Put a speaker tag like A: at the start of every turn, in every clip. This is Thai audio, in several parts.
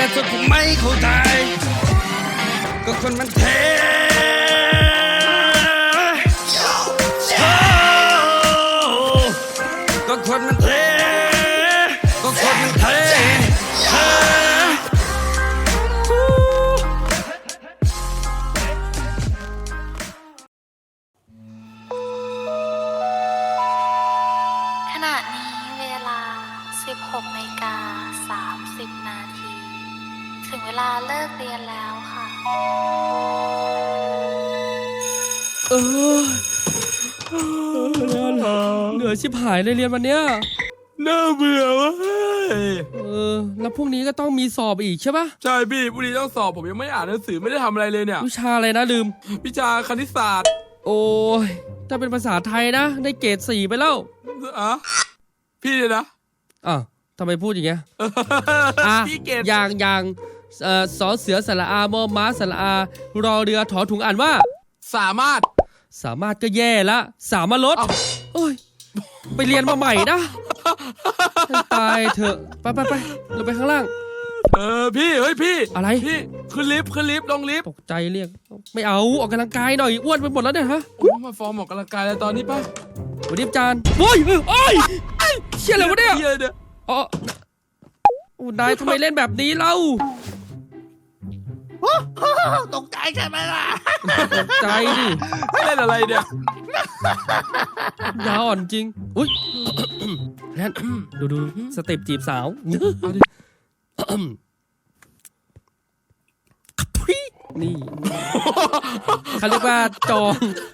A: สุดผมไม่เข้าใจก็คนมันเทก็คนมันเทก็คนมันเท
B: ขณะนี้เวลา 16:30 นาทีถึงเวลาเลิกเรียนแล้วค่ะ
C: เหนื่อยชิบหายเลยเรียนวันเนี้ย
D: น่าเบื่อวะ
C: แล้วพรุ่งนี้ก็ต้องมีสอบอีกใช่ปะ
D: ใช่พี่พรุ่งนี้ต้องสอบผมยังไม่อ่านหนังสือไม่ได้ทำอะไรเลยเนี่ย
C: วิชาอะไรนะลืม
D: วิชาคณิตศาสตร์
C: โอ้ยถ้าเป็นภาษาไทยนะได้เกรด 4ไปแล้ว
D: อะพี่เนี่ยนะ
C: อ้าวทำไมพูดอย่างเงี้ย
D: พี่เกด
C: อย่างสอเสือสระอามอม้าสระอารอเรือถอถุงอ่านว่า
D: สามารถ
C: ก็แย่ละสามารถลดโอ้ยไปเรียนมาใหม่นะตายเถอะไปเราไปข้างล่าง
D: พี่เฮ้ยพี่
C: อะไร
D: พี่ขึ้นลิฟต์ลงลิฟต์
C: ตกใจเรียกไม่เอาออกกำลังกายหน่อยอ้วนไปหมดแล้วเนี่ยฮะ
D: มาฟอร์มออกกำลังกายแล้วตอนนี้ป่ะ
C: วันนี้จานโอ้ยเชี่ยอะไรวะเนี่ยอ๋อนายทำไมเล่นแบบนี้เล่า
A: ตกใจใช่ไหมล่ะ
C: ตกใจดิ
D: เล่นอะไรเนี่ย
C: ยาอ่อนจริงอุ้ยแลนดูสเต็ปจีบสาวนี่เขาเรียกว่าจอง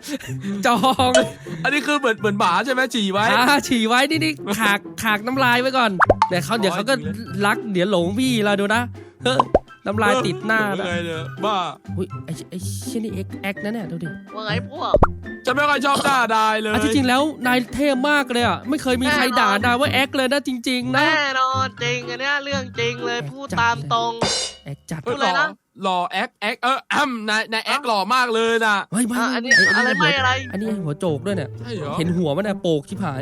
D: อันนี้คือเหมือนหมาใช่ไหมฉี่ไว้
C: ฉี่ไว้นี่ขากน้ำลายไว้ก่อนแต่เดี๋ยวเขาก็รักเดี๋ยวหลงพี่เราดูนะเฮ้ยน้ำลายติดหน้า
D: แล้วบ้า
C: อุ้ยไอ้เช่นนี่แอ็กนั่นเนี่ยดูดิ
E: ว่าไงพวก
D: จะไม่ค่อยชอบด่าได้เลย
C: ที่จริงแล้วนายเท่มากเลยอ่ะไม่เคยมีใครด่านายว่าแอ็กเลยนะจริงๆนะ
E: แน่นอนจริงอันเนี้ยเรื่องจริงเลยพูดตามตรง
C: แอ็กจัด
E: พูดเลยนะ
D: หล่อแอ็กนายแอ็กหล่อมากเลยนะ
C: ไม่
E: อันนี้อะไรไม่อะไร
C: อันนี้หัวโจกด้วยเนี่ย
D: ใช่เหรอ
C: เห็นหัวมันเนี่ยโปกชิบหาย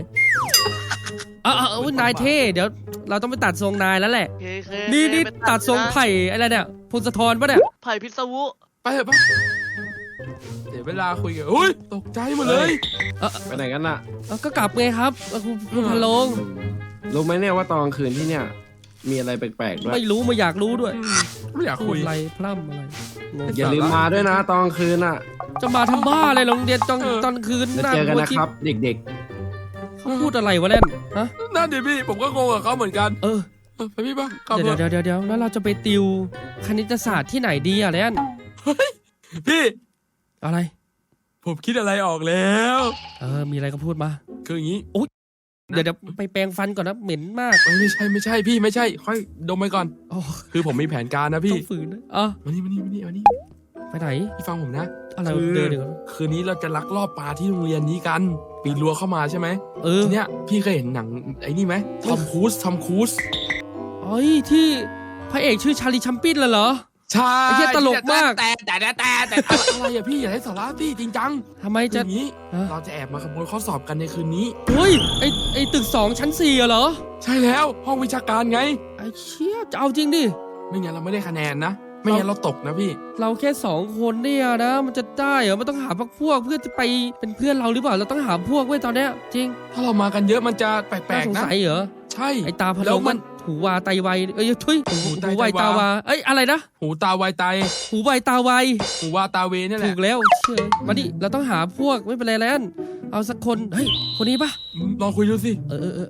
C: นายเท่เดี๋ยวเราต้องไปตัดทรงนายแล้วแหละนี่ตัดทรงไผ่อะไรเนี่ยพลสะทอนปะเนี่ย
E: ไผ่พิศวุ
D: ไปเถอะปะเดี๋ยวเวลาคุยกันอุ้ยตกใจหมดเลย
F: ไปไหนกันน่ะ
C: ก็กลับไงครับคุณพะโลง
F: รู้ไหมเนี่ยว่าตอนกลางคืนที่เนี่ยมีอะไรแปลกๆด้วย
C: ไม่รู้ไม่อยากรู้ด้วย
D: ไม่อยากคุย
C: อะไรพร่ำอะไร
F: อย่าลืมมาด้วยนะตอนกลางคืนน่ะ
C: จะมาทำบ้าอะไรโรงเรียนตอนคืน
F: เจอกันนะครับเด็ก
C: เขาพูดอะไรวะเล่นฮะ
D: นั่นดิพี่ผมก็งงกับเขาเหมือนกันไปพี่ป่ะ
C: เดี๋ยวแล้วเราจะไปติวคณิตศาสตร์ที่ไหนดีอะเล่น
D: พี่
C: อะไร
D: ผมคิดอะไรออกแล้ว
C: มีอะไรก็พูดมา
D: คืออย่างนี้
C: เดี๋ยวไปแปรงฟันก่อนนะเหม็นมาก
D: ไม่ใช่พี่ไม่ใช่ค่อยดมไปก่อนคือผมมีแผนการนะพี่
C: ต้องฝืนนะ
D: มานี่
C: ไปไหน
D: พี่ฟังผมนะ
C: อะไร
D: คืนนี้เราจะลักลอบปลาที่โรงเรียนนี้กันปีนรั้วเข้ามาใช่ไหมทีเนี้ยพี่เคยเห็นหนังไอ้นี่ไหมทอมครูซ
C: ที่พระเอกชื่อชาลีชัมปินเหรอ
D: ใช่
C: ไอ้เหี้ยตลกมาก
D: แต่อะไรอะพี่อย่าให้สาระพี่จริงจัง
C: ทำไมจะ
D: นี้เราจะแอบมาขโมยข้อสอบกันในคืนนี้
C: ไอ้ตึก2ชั้น4เหรอ
D: ใช่แล้วห้องวิชาการไง
C: ไอ้เชี่ยจะเอาจริงดิ
D: ไม่งั้นเราไม่ได้คะแนนนะไม่งั้นเราตกนะพี่
C: เราแค่2คนเนี่ยนะมันจะได้เหรอมันต้องหาพวกเพื่อจะไปเป็นเพื่อนเราหรือเปล่าเราต้องหาพวกไว้ตอนเนี้ยจริง
D: ถ้าเรามากันเยอะมันจะแปลกๆนะ
C: สงสัยเหรอ
D: ใช่
C: ไอ้ตาพะโล้มันหูวาไตไวทุยหูไวตาวาอะไรนะ
D: หูตาไวไต
C: หูไวตาไว
D: หูวาตาเวนี่แหละ
C: ถูกแล้วเชื่อมาดิเราต้องหาพวกไม่เป็นไรแล้วเอาสักคนคนนี้ปะ
D: ลองคุยดูสิ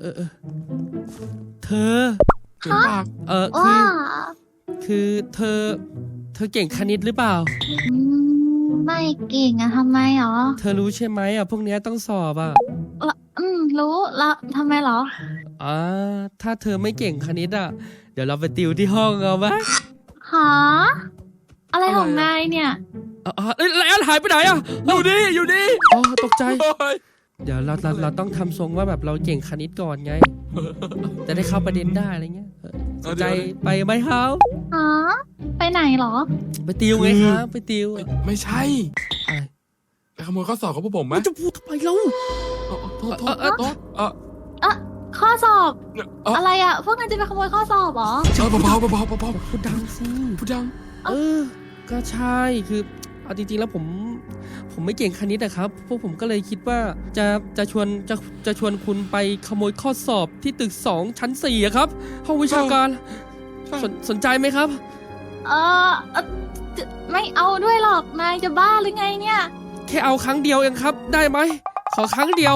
C: เธอคือเธอเก่งคณิตหรือเปล่า
B: ไม่เก่งอะทำไมหรอ
C: เธอรู้ใช่ไหมพวกนี้ต้องสอบ
B: รู้แล้วทำไมหรอ
C: ถ้าเธอไม่เก่งคณิตเดี๋ยวเราไปติวที่ห้องเอาไหม
B: หาอะไรของนายเนี่ย
C: แล้วหายไปไหน
D: อยู่ดี
C: ตกใจเดี๋ยวเราต้องทำทรงว่าแบบเราเก่งคณิตก่อนไงจะได้เข้าประเด็นได้อะไรเงี้ยสนใจไปไหมครับ
B: ไปไหนหรอ
C: ไปติวไงครับไปติว
D: ไม่ใช่ไปขโมยข้อสอบของพวกผมไหม
C: จะพูดทำไมเรา
D: โทษ
B: ข้อ
G: อสอบ
D: เอ้า
G: อะไรอะพวกนั้นจะไปขโมยข้อสอบเหรอ
D: เบาๆเบาๆเบา
C: พูดดังสิ
D: ๆพูดดัง
C: ก็ใช่คือเอาจริงๆแล้วผมไม่เก่งคณิตนะครับพวกผมก็เลยคิดว่าจะชวนคุณไปขโมยข้อสอบที่ตึก2ชั้น4อะครับห้องวิชาการสนใจไหมครับ
G: เออไม่เอาด้วยหรอกนายจะบ้าหรือไงเนี่ย
C: แค่เอาครั้งเดียวเองครับ ได้ไหมขอครั้งเดียว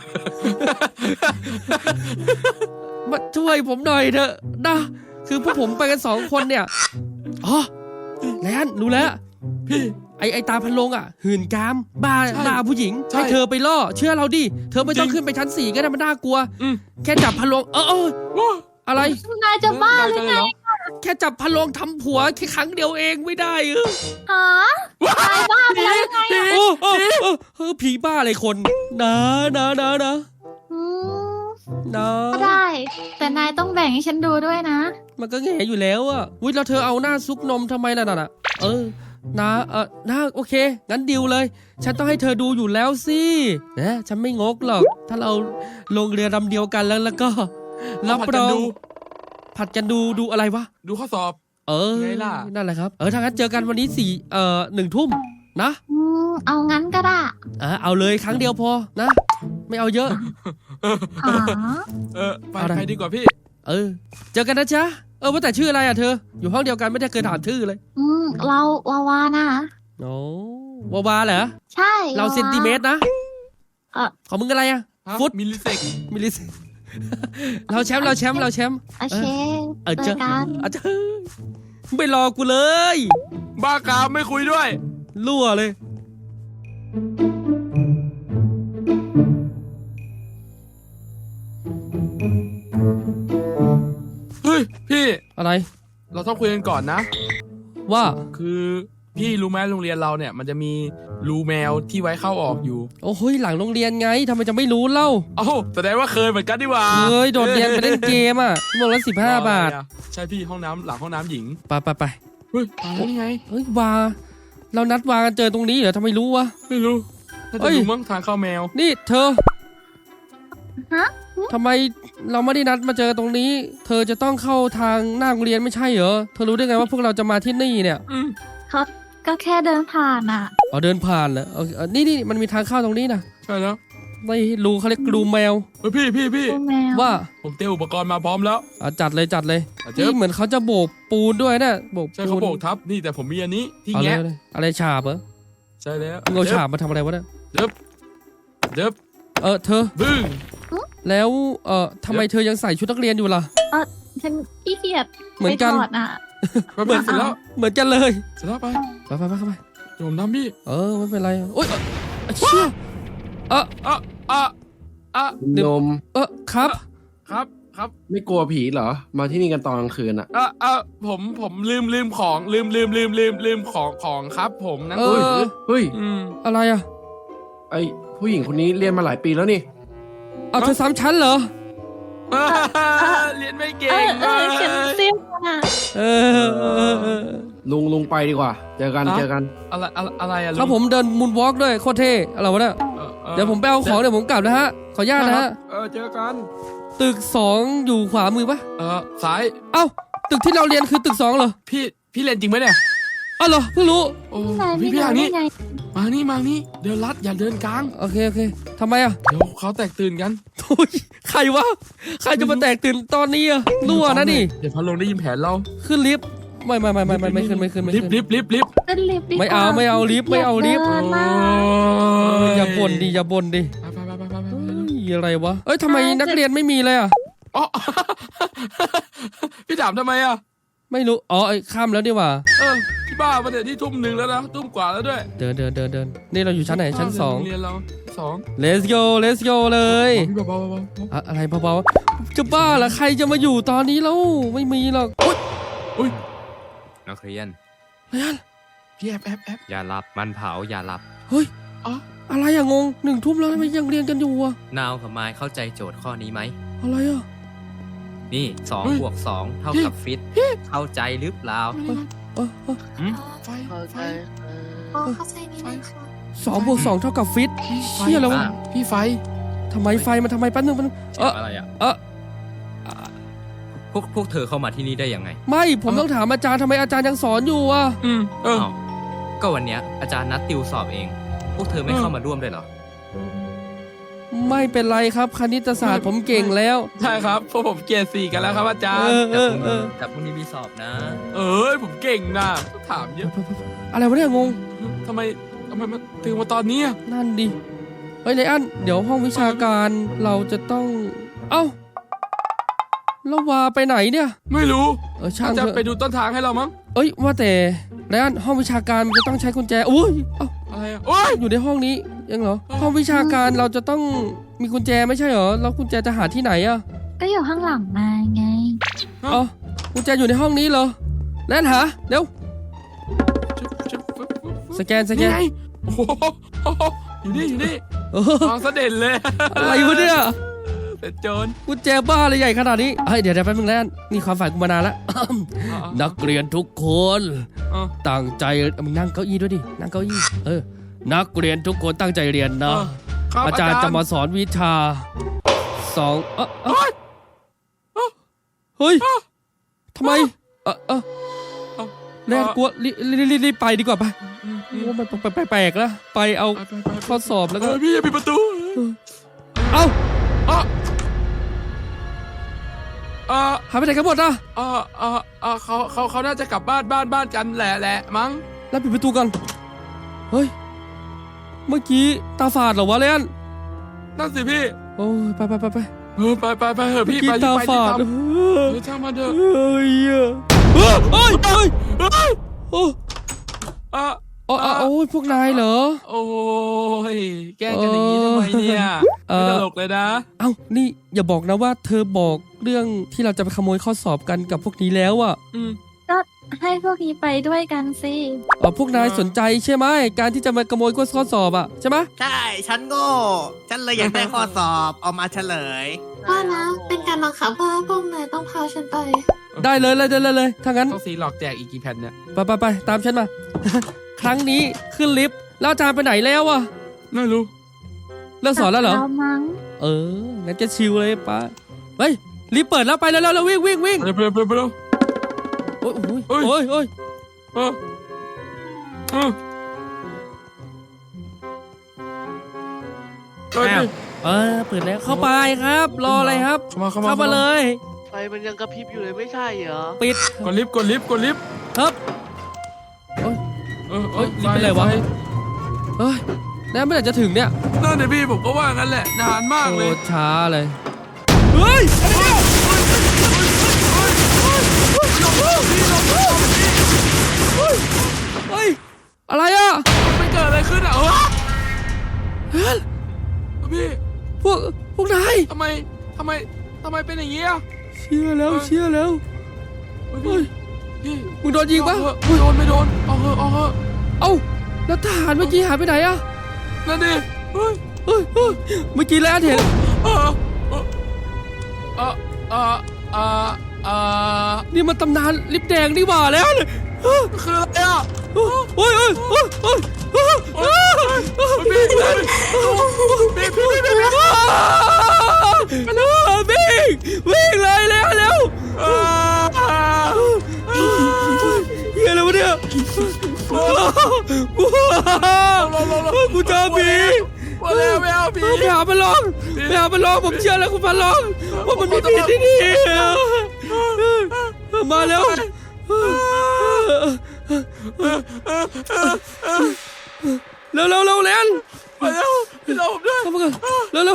C: มาช่วยผมหน่อยเถอะนะคือพวกผมไปกัน2 คนเนี่ยอ๋อแลนรู้แล้ว
D: พี่
C: ไอตาพันลงอ่ะหื่นกามบ้า
D: ใช่
C: บ้าผู้หญิง
D: ใช่
C: ให้เธอไปล่อเชื่อเราดิเธอไม่ต้อง
D: จริง
C: ขึ้นไปชั้น4ก็ได้มันน่ากลัว
D: อืม
C: แค่จับพันลงอะไร
G: นายจะบ้าหรือไง
C: แค่จับพันลงทำผัวแค่ครั้งเดียวเองไม่ได้
G: หานายบ้าไปแล้วยังไงอะ
C: ผีบ้าอะไรคนนะ
G: อืม
C: นะ
G: ก็ได้ แต่นายต้องแบ่งให้ฉันดูด้วยนะ
C: มันก็แง่อยู่แล้วอ่ะวิแล้วเธอเอาหน้าซุกนมทำไมล่ะน่ะนะโอเคงั้นดิวเลย ฉันต้องให้เธอดูอยู่แล้วสินะฉันไม่งกหรอก ถ้าเราลงเรือลำเดียวกันแล้วก็รับรองผัดกันดูอะไรวะ
D: ดูข้อสอบ ไงล่ะ
C: นั่นแหละครับถ้างั้นเจอกันวันนี้1 ทุ่มนะ
G: เอางั้นก็ได้
C: เอาเลยครั้งเดียวพอนะ ไม่เอาเยอะ
G: หา
D: ไป
C: เอาได้
D: ไปดีกว่าพี่
C: เจอกันนะจ๊ะว่าแต่ชื่ออะไรอ่ะเธออยู่ห้องเดียวกันไม่ได้เคยถามชื่อเลย
G: เราวาวานะ
C: โอ้วาเหรอ
G: ใช่
C: เราเซนติเมตรนะ ของมึงอะไรอ่ะ
D: ฮะ
C: ฟุต
D: มิลลิเซก
C: มิลลิเราแชมป์
G: โอเค
C: เจ
G: เจ
C: อ
G: อกัน
C: เจอไม่รอกูเลย
D: บ้ากามไม่คุยด้วย
C: รั่วเลย
D: เฮ้ยพี่
C: อะไร
D: เราต้องคุยกันก่อนนะ
C: ว่า
D: คือพี่รู้ไหมโรงเรียนเราเนี่ย มันจะมีรูแมวที่ไว้เข้าออกอยู่
C: โอ้โหหลังโรงเรียนไงทำไมจะไม่รู้เล่า
D: เอ้าแสดงว่าเคยเหมือนกันดีกว่า
C: เฮ้ยโดดเรียนไปเล่นเกมอ่ะชั่วโมงละ15 บาท
D: ใช่พี่ห้องน้ำหลังห้องน้ำหญิง
C: ไป
D: เฮ้ยตายแล้วนี่ไง
C: เฮ้ยวาเรานัดวากันเจอตรงนี้เหรอทำไมรู้วะ
D: ไม่รู้น่า
C: เฮ้
D: จะ
C: ย
D: รู้มั้งทางเข้าแมว
C: นี่เธอ
G: ฮะ
C: ทำไมเราไม่ได้นัดมาเจอตรงนี้ เธอจะต้องเข้าทางหน้าโรงเรียนไม่ใช่เหรอเธอรู้ได้ไงว่าพวกเราจะมาที่นี่เนี่ย
G: เขาก็แค่เดินผ่านอ่ะ
C: เดินผ่านเหรอนี่มันมีทางเข้าตรงนี้นะ
D: ใช่แล้ว
C: ไม่รู้เขาเรียกรูแมว
D: เฮ้ยพี่
G: ตัวแมว
C: ว่า
D: ผมเตรียมอุปกรณ์มาพร้อมแล้ว
C: จัดเลย
D: เจ๊
C: นี่เหมือนเขาจะโบกปูนด้วยนะโบก
D: ใช่
C: ปู
D: เขา
C: น
D: โบกทับนี่แต่ผมมีอันนี้ที่
C: เอาเล
D: แงะ
C: ยอะไรฉาบเหรอ
D: ใช่แล้ว
C: มึงเอาฉาบมาทำอะไรวะเนี่ย
D: เดิบ
C: เธอ
D: บึ้ง
C: แล้วทำไมเธอยังใส่ชุดนักเรียนอยู่ล่ะ
G: ฉันขี้เกียจ
C: เหมือนกัน
G: ไปถอดอ่ะ
D: ไปเปิดเสร็จแล้ว
C: เหมือนกันเลย
D: เสร็จแล้วไป
C: ไปเข้าไป
D: เดี๋ยวผมทำพี่
C: ไม่เป็นไรโอ๊ยเชี่ย
F: นม
C: ครับ
D: ครับ
F: ไม่กลัวผีเหรอ มาที่นี่กันตอนกลางคืนอ่ะ
D: ผมลืมของลืมของครับผมหนังสือ
F: เฮ้ย
C: อะไรอ่ะ
F: ไอผู้หญิงคนนี้เรียนมาหลายปีแล้วนี่
C: เธอซ้ำชั้นเหรอ
D: เรียนไม่เก่ง
G: ฉันเสี้ยวอ่ะ
F: ลุงไปดีกว่า เจอกัน
D: อะไรอะ
C: ครับผมเดินมูนวอล์กด้วยโคตรเท่อะไรวะเนี่ยเดี๋ยวผมไปเอาของเดี๋ยวผมกลับนะฮะขออนุญาตนะฮะ
F: เจอกัน
C: ตึก2อยู่ขวามือปะ
D: ซ้าย
C: เอ้าตึกที่เราเรียนคือตึก2เหรอ
D: พี่เรียนจริงไหมเนี่ย
C: เหรอเพิ่งรู้
D: โอ้
G: นายไม่
D: พี่
G: รู้
D: ทาง
G: ได้
D: นี้
G: ไง
D: มานี่เดินลัดอย่าเดินกลาง
C: โอเคทำไมอ่ะ
D: เดี๋ยวเขาแตกตื่นกัน
C: โอ้ยใครวะใครจะมาแตกตื่นตอนนี้อ่ะรั่วนะนี่
D: เดี๋ยวพัดลงได้ยินแผนเรา
C: ขึ้นลิฟต์ไม่ขึ้น
D: ลิฟต์
G: ขึ้นลิฟต์ดีก
C: ไม่
G: ว่า
C: เอาลิฟต์ไม่เอาลิฟต์
G: เดินมา
C: อย่าบ่นดิ
D: ไป
C: อะไรวะทำไมนักเรียนไม่มีเลยอ่ะ
D: อ๋อ พี่ถามทำไมอ่ะ
C: ไม่รู้ข้ามแล้วดีกว่า
D: พี่บ้ามาเดี๋ยวที่ทุ่ม1แล้วนะทุ่มกว่าแล้วด้วย
C: เดินนี่เราอยู่ชั้นไหนชั้น2
D: เรียนเรา2
C: let's go เลย
D: พี่เบา
C: อะไรเบาๆจะบ้าเหรอใครจะมาอยู่ตอนนี้แล้วไม่มีหรอกอุ๊ย
H: นักเรียน
D: พี่แอบ
H: อย่าหลับมันเผาอย่าหลับ
C: เฮ้ยอะไรอะงง1 ทุ่มแล้วทำไมยังเรียนกันอยู่อะ
H: นาวกับไม้เข้าใจโจทย์ข้อนี้ไหม
C: อะไรอะ
H: นี่2 บวก 2 เท่ากับฟิตเข้าใจหรือเปล่า
D: ไฟ
E: เข้าใจ
B: เข้าใจนิดนึงค่ะ
C: 2 บวก 2 เท่ากับฟิตเชี่ยแล้ว
D: พี่ไฟ
C: ทำไมไฟมันทำไมแป๊บนึง
H: อะไรอ่ะพวกเธอเข้ามาที่นี่ได้ยังไง
C: ไม่ผมต้องถามอาจารย์ทำไมอาจารย์ยังสอนอยู่อ่ะ
D: เออ
H: อ้าวก็วันเนี้ยอาจารย์นัดติวสอบเอง พวกเธอไม่เข้ามาร่วมเลยเหรอ
C: ไม่เป็นไรครับคณิตศาสตร์ผมเก่งแล้ว
D: ใช่ครับพวกผมเกรด4กันแล้วครับอาจารย์
H: แต่พรุ่งนี้มีสอบนะ
D: ผมเก่งนะถามเยอะ
C: อะไรวะเนี่ยงง
D: ทำไมมาถึงมาตอนนี้อะ
C: นั่นดิเฮ้ยไลอ้อนเดี๋ยวห้องวิชาการเราจะต้องเอ้าแล้ววาไปไหนเนี่ย
D: ไม่รู้
C: ช่าง
D: จะ
C: เถอะ
D: ไปดูต้นทางให้เรามั้ง
C: เอ้ยว่าแต่ไลอ้อนห้องวิชาการมันจะต้องใช้กุญแจอุ้ยเอ้า
D: อะไรอะโอ้ย
C: อยู่ในห้องนี้ยังเหรอห้องวิชาการเราจะต้องมีกุญแจไม่ใช่เหรอแล้วกุญแจจะหาที่ไหนอะ
G: ก็อยู่ข้างหลังนายไง
C: อ๋อกุญแจอยู่ในห้องนี้เหรอแลนหาเร็วสแกน
D: นี่ไงโอ้โหอยู่นี่
C: เออ
D: มองเสด็จเลย
C: อะไรวะเนี่ย
D: เป็นโจร
C: กุญแจบ้าอะไรใหญ่ขนาดนี้เฮ้ยเดี๋ยวแป๊บนึงแล้วนี่ความฝันกูมานานแล้ว นักเรียนทุกคน
D: อ่ะ
C: ตั้งใจมึงนั่งเก้าอี้ด้วยดินั่งเก้าอี้นักเรียนทุกคนตั้งใจเรียนนะ
D: ครับ
C: อาจารย์จะมาสอนวิชาเฮ้ยทำไมแลนกลัวรีบไปดีกว่าไปโอ้มันแปลกๆนะไปเอาข้อสอบแล้วก็
D: พี่อย่าปิดประตู
C: เอ้า
D: อ่ะอ่ะ
C: หายไปไหนกันหมดอ่ะ
D: เขาน่าจะกลับบ้านกันแหละมั้ง
C: แล้วปิดประตูก่อนเฮ้ยเมื่อกี้ตาฝาดเหรอวะแลน
D: นั่นสิพี่
C: โอ้ยไป
D: ไปเถอะพี่
C: เมื่อกี้
D: ไป
C: ตา
D: ไป
C: ฝาด
D: ช่างมันเถอะ
C: เฮ้ยโอ้
D: อ่ะ
C: โอ้ยพวกนายเหรอ
D: โอ้ยแกล้งกันอย่างนี้ทำไมเนี่ยไม่ตลกเลยนะ
C: เอ้านี่อย่าบอกนะว่าเธอบอกเรื่องที่เราจะไปขโมยข้อสอบกันกับพวกนี้แล้วอ่ะ
G: ก็ให้พวกนี้ไปด้วยกันสิ
C: พวกนายสนใจใช่ไหมการที่จะมาขโมยข้อสอบอ่ะใช่ไหม
I: ใช่ ฉันโง่ ฉันเลยอยากได้ข้อสอบเอามาเฉลย
B: ว่านะ เป็นการบังคับว่าพวกนายต้องพาฉันไป
C: ได้เลยถ้างั้น
D: ต้องสีหลอกแจกอีกกี่แผ่นเนี่ย
C: ไปตามฉันมา ครั้งนี้ขึ้นลิฟต์แล้วอาจารย์ไปไหนแล้วอ่ะ
D: ไม่รู้
C: เลิกสอนแล้วเหรอ
G: เรามั้ง
C: งั้นจะชิวเลยป้าเฮ้ยรีบเปิดแล้วไปแล้ววิ่ง
D: ไปเร็ว
C: โอ้ย
D: เฮ้ย
C: โอ้ย
D: เออเออ
C: เปิดแล้วเข้าไปครับ รออะไรครับ
D: เข้ามา
C: เลย
E: ไฟมันยังกระพริบอยู่เลยไม่ใช่เหรอ
C: ปิด
D: กดลิฟต์
C: ครับลิฟต์เป็นไรวะเฮ้ยแล้วเมื่อไหร่จะถึงเนี่ย
D: นั่นเดี๋ยวพี่ผมก็ว่างั้นแหละนานมากเลย
C: โอ้ช้าเลยเฮ้ยเฮ้ยอะไรอ่ะ
D: มันเกิดอะไรขึ้นอ่ะพี่
C: พวกนาย
D: ทำไมเป็นอย่างนี้อ่ะ
C: เชื่อแล้ว
D: พี่
C: มึงโดนยิงปะ
D: ไม่โดนเอาเถอะ
C: เอ้าแล้วทหารเมื่อกี้หายไปไหนอ่ะ
D: นั่นดิเฮ้ย
C: เมื่อกี้แล้วเห็นนี่มันตำนานลิปแดงนี่หว่าแล้วเลย
D: คืออะไรอ่ะ
C: โอ้ย วิ่งเลยแล้วเฮียอะไรวะเนี่ยกูเจอผี
D: ไม่เอาผี
C: ไปหาพันลองผมเชื่อแล้วคุณพันลองว่ามันมีผีที่นี่มาแล้วเร็วเล่น
D: ไปแล้วพี่เราผมด้วย
C: เข้ามากันเร็ว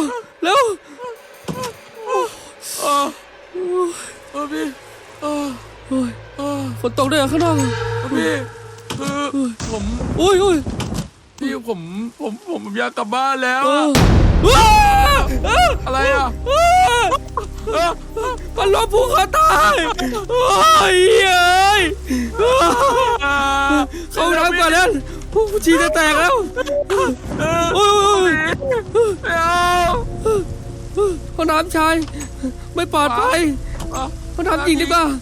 D: พี่
C: ฝนตกด้วยข้างนอก
D: พี่คือผม
C: อุ้ย
D: พี่ผมอยากกลับบ้านแล้วอะไรอ่ะ
C: มันล้มภูเขาตายโอ้ยเข้าน้ำก่อนแล้วผู้ชีจะแตกแล้วโอ้ยห้องน้ำชายไม่ปลอดภัยห้องน้ำหญิงดีกว่า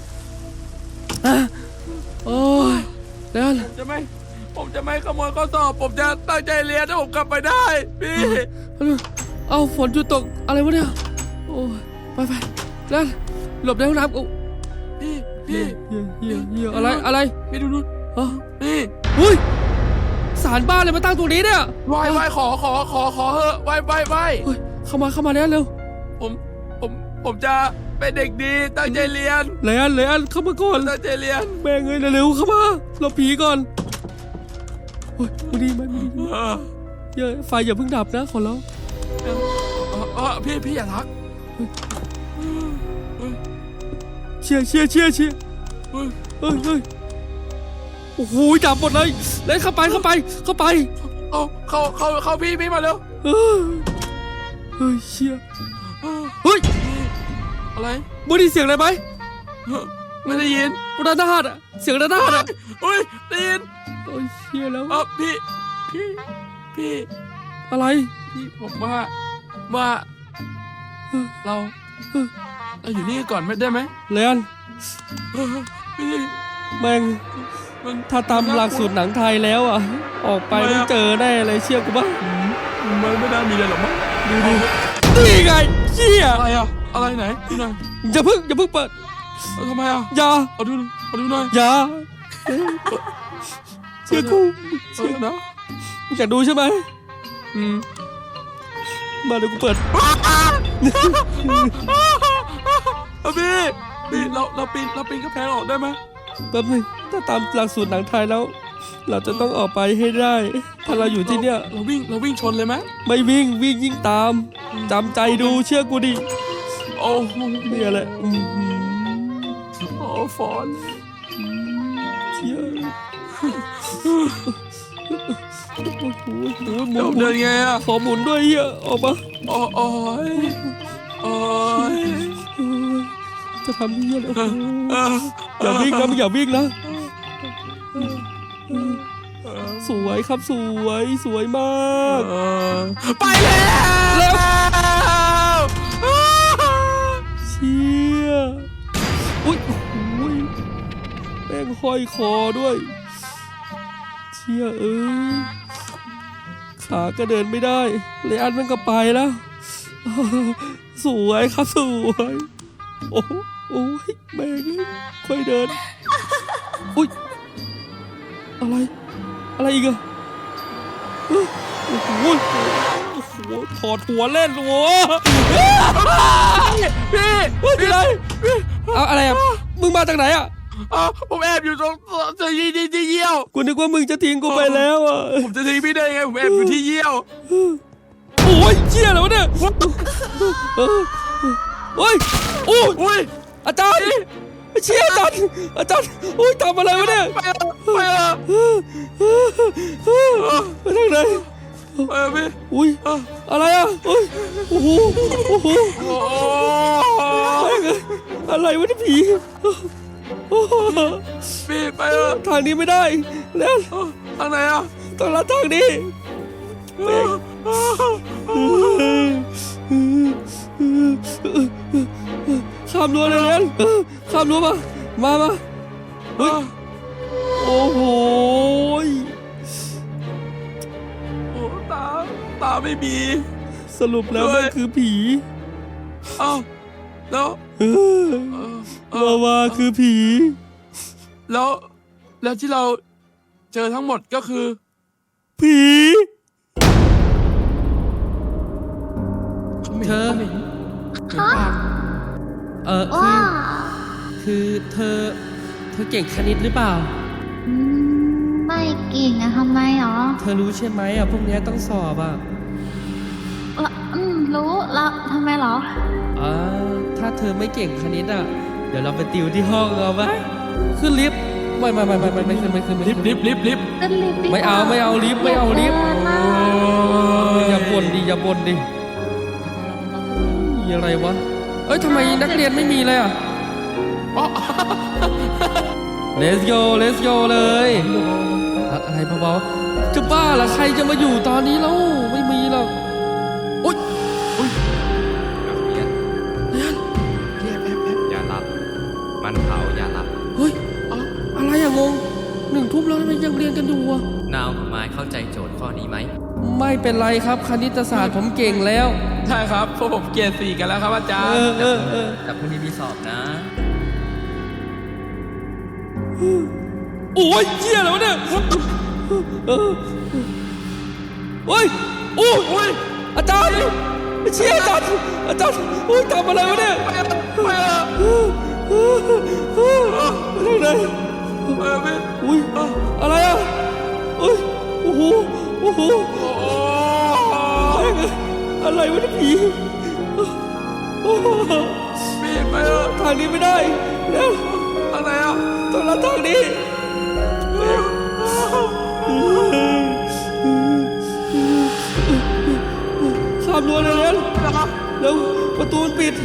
C: โอ้ยแล้ว
D: ผมจะไม่ขโมยข้อสอบผมจะตั้งใจเรียนถ้าผมกลับไปได้พี่
C: เอาฝนหยุดตกอะไรวะเนี่ยโอ้ยไปแล้วหลบในห้องน้ำ
D: พี่พี่
C: เหี้ยอะไร
D: พี่ดู
C: เอ้า
D: นี่
C: เฮ้ยศาลบ้านเลยมาตั้งตรงนี้เนี่ย
D: ไหว้ขอเหอะไหว้
C: เฮ้ยเข้ามาแล้วเร็ว
D: ผมจะเป็นเด็กดีตั้งใจเรียน
C: เลยอันเข้ามาก่อน
D: ตั้งใจเรียน
C: แม่งเอ้ยเร็วๆเข้ามาเราผีก่อนเฮ้ยมาดีเยอะไฟอย่าเพิ่งดับนะขอร้อง
D: พี่อย่าทัก
C: เชียร์เฮ้ยโอ้โหดับหมดเลยเลยเข้าไป
D: เข้าพี่มาเร็ว
C: เฮ้ยเชียร์เฮ้ย
D: อะไร
C: มึงได้เสียงอะไรไหม
D: ไม่ได้ยิน
C: ระนาดอะเสียงระนาดอะ
D: อุ้ยได้ยิน
C: โอ้ยเชียร์แล้ว
D: พี่
C: อะไร
D: พี่ผมว่าเราอยู่นี่ก่อนไม่ได้ไหม
C: เลน
D: พี่
C: แม่ง
D: มัน
C: ถ้าตามหลักสูตรหนังไทยแล้วอ่ะออกไปต้องเจอแน่เลยเชื่อกูบ้าง
D: มันไม่น่ามีอะไรหรอกมั้ง
C: ดูนี่ไงเชี่ย
D: อะไรไหนดูหน่อย
C: อย่าเพิ่งเปิด
D: ทำไมอ่ะ
C: อย่า
D: เอาดูหน่อย
C: อย่าเชื่อกู
D: นะ
C: อยากดูใช่ไหม มาเดี๋ยวกูเปิด
D: พี่เราปีนกระแพงออกได้ไหม
C: แป๊บนึงถ้าตามหลักสูตรหนังไทยแล้ว เราจะต้องออกไปให้ได้ ถ้าเราอยู่ที่เนี่ย
D: เราวิ่งชนเลยไหม
C: ไม่วิ่งยิ่งตามจำใจดูเชื่อกูดิ
D: โอ้
C: เนี่ยแหละ
D: ฟอน
C: เชี่ยโอ้โหหมุน
D: เดินไงอ่ะ
C: ขอหมุนด้วยเฮียออกมา
D: โอ้ย
C: จะทำเฮียเลยอย่าวิ่งนะมึงอย่าวิ่งนะสวยครับสวยมาก
D: ไปแล้ว
C: เชี่ยอุ้ยแม่งห้อยคอด้วยเชี่ยขาก็เดินไม่ได้เลยอันมันก็ไปแล้วสวยครับสวยโอ้ยแม่งค่อยเดินอุ้ยอะไรอีกอะโอ้โหถอดหัวเล่นโว้พี่อะไรเอาอะไรอ่ะมึงมาจากไหนอ่ะ
D: ผมแอบอยู่ตรงที่เยี่ยว
C: กูนึกว่ามึงจะทิ้งกูไปแล้วอ่ะ
D: ผมจะทิ้งพี่ได้ไงผมแอบอยู่ที่เยี่ยว
C: โอ้ยเชี่ยแล้วเนี่ยโอ้ย
D: อุ้ย
C: อาจารย์เชี่ยอาจารย์โอ้ยทำอะไรวะเนี่ย
D: ไปทางไหน พี่
C: อุ้ยอะไรอ่ะโอ้ยโอ้โหอะไรวะเนี่ยผี
D: พี่ไป
C: ทางนี้ไม่ได้แล้ว
D: ทางไหนอ่ะ
C: ต้องลัดทางนี้ข้ามรั้วเลยเลี้ยนข้ามรั้วมาเฮ้ยโอ้โห
D: ตาไม่มี
C: สรุปแล้วมันคือผี
D: แล้ว
C: ว่าคือผี
D: แล้วที่เราเจอทั้งหมดก็คือ
C: ผี เธอคือเธอเก่งคณิตหรือเปล่า
G: ไม่เก่งอะทำไมหรอ
C: เธอรู้ใช่ไหมอ่ะพวกนี้ต้องสอบอ่ะ
G: รู้แล้วทำไมหรอ
C: ถ้าเธอไม่เก่งคณิตอ่ะเดี๋ยวเราไปติวที่ห้องเอาไหมขึ้นลิฟต์ไม่ขึ้น
D: ลิฟต์
G: ขึ้นลิฟต์ดีกว่า
C: ไม่เอาลิฟต์อย่าบ่นดิอะไรวะทำไมนักเรียนไม่มีเลยอ่ะLet's go เลยอะไรเบาๆจะบ้าเหรอใครจะมาอยู่ตอนนี้แล้วไม่มีหรอกอุ้ย
H: อย่าหลับมันเผาอย่าหลับ
C: เฮ้ยอะไรอะงง1 ทุ่มแล้วทำไมยังเรียนกันอยู่อะ
H: นาวกับไม้เข้าใจโจทย์ข้อนี้ไหม
C: ไม่เป็นไรครับคณิตศาสตร์ผมเก่งแล้ว
D: ใช่ครับพวกผมเกรด 4กันแล้วครับอาจารย์
C: เออ
H: แต่พรุ่งนี้มีสอบนะ
C: โอ้ยเชี่ยแล้วเนี่ยโอ้ยโอ้ยอาจารย์เชี่ยอาจารย์โอ้ยทำอะไรวะเนี่ยไปไหนอุ้ยอะไรอ่ะโอ้โหอะไรวะเนี่ยผีไปทางนี้ไม่ได้แล้วอะไรอ่ะต้องรับทางนี้ข้ามรั้วเลยเร็วประตูมันปิด